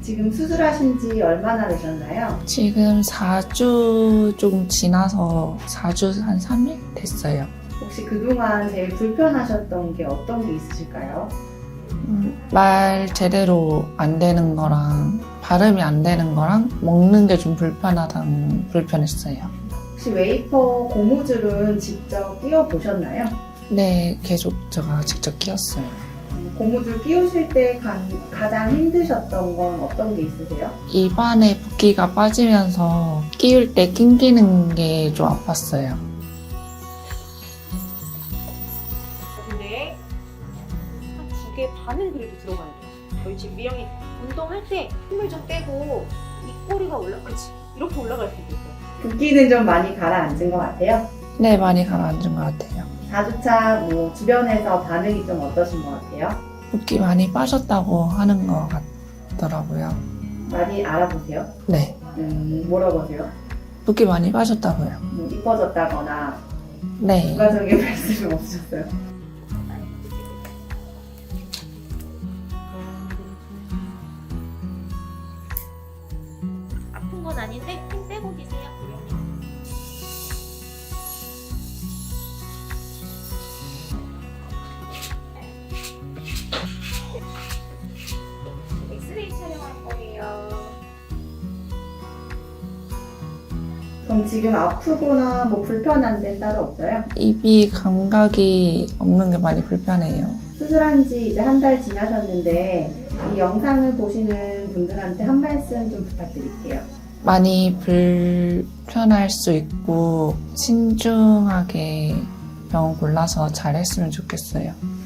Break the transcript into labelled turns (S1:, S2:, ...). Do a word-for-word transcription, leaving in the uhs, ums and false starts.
S1: 지금 수술하신 지 얼마나 되셨나요?
S2: 지금 사 주 조금 지나서 사 주 한 삼 일 됐어요.
S1: 혹시 그동안 제일 불편하셨던 게 어떤 게 있으실까요?
S2: 음, 말 제대로 안 되는 거랑 발음이 안 되는 거랑 먹는 게 좀 불편하다는 불편했어요.
S1: 혹시 웨이퍼 고무줄은 직접 끼워 보셨나요?
S2: 네, 계속 제가 직접 끼웠어요.
S1: 고무줄 끼우실 때 가, 가장 힘드셨던 건 어떤 게 있으세요?
S2: 입안에 붓기가 빠지면서 끼울 때 낑기는 게 좀 아팠어요.
S3: 근데 한 두 개 반은 그래도 들어가야 돼요. 저희 지금 미영이 운동할 때 힘을 좀 빼고 입꼬리가 올라, 그치? 이렇게 올라갈 수도 있어요.
S1: 붓기는 좀 많이 가라앉은 것 같아요.
S2: 네, 많이 가라앉은 것 같아요.
S1: 사 주차 뭐 주변에서 반응이 좀 어떠신 것 같아요?
S2: 붓기 많이 빠졌다고 하는 것 같더라고요.
S1: 많이 알아보세요?
S2: 네,
S1: 음, 물어보세요?
S2: 붓기 많이 빠졌다고요.
S1: 뭐 이뻐졌다거나
S2: 네.
S1: 추가적인 말씀은 없으셨어요?
S3: 아픈 건 아닌데 힘 빼고 계세요. 엑스레이 촬영할 거예요.
S1: 그럼 지금 아프거나 뭐 불편한 데는 따로 없어요?
S2: 입이 감각이 없는 게 많이 불편해요.
S1: 수술한 지 이제 한 달 지나셨는데 이 영상을 보시는 분들한테 한 말씀 좀 부탁드릴게요.
S2: 많이 불편할 수 있고 신중하게 병원 골라서 잘 했으면 좋겠어요.